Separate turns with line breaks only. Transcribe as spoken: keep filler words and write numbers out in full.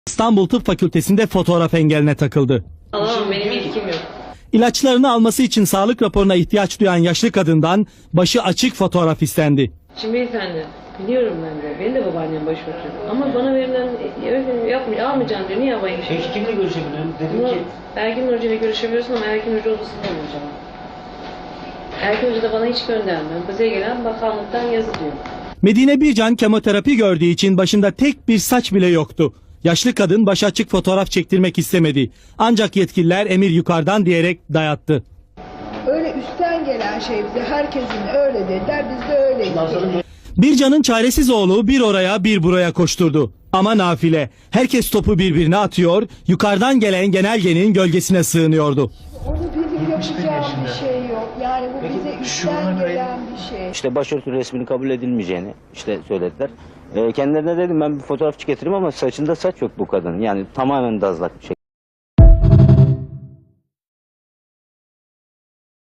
İstanbul Tıp Fakültesi'nde fotoğraf engeline takıldı.
Alamam, benim ilkim yok.
İlaçlarını alması için sağlık raporuna ihtiyaç duyan yaşlı kadından başı açık fotoğraf istendi.
Şimdi beyefendi, biliyorum ben de. Benim de babaannem başörtülü. Ama bana verilen, öyle yapmıyor, almayacaksın diyor. Niye alayım?
Peki kimle görüşebilirim? Dedim
Ama
ki...
Erkin Hoca ile görüşebiliyorsun ama Erkin Hoca odasında olacağım. Erkin Hoca da bana hiç göndermiyor. Bize gelen bakanlıktan yazı diyor.
Medine Bircan kemoterapi gördüğü için başında tek bir saç bile yoktu. Yaşlı kadın başı açık fotoğraf çektirmek istemedi. Ancak yetkililer emir yukarıdan diyerek dayattı.
Öyle üstten gelen şey bize, herkesin öyle dediler, biz de öyleydik.
Bircan'ın çaresiz oğlu bir oraya bir buraya koşturdu. Ama nafile. Herkes topu birbirine atıyor, yukarıdan gelen genelgenin gölgesine sığınıyordu.
Onu bizim yapacağım bir şey yok. Yani bu bize üstten gelen bir şey.
İşte başörtü resminin kabul edilmeyeceğini işte söylediler. E, kendilerine dedim ben bir fotoğrafçı getireyim ama saçında saç yok bu kadın. Yani tamamen dazlak bir şey.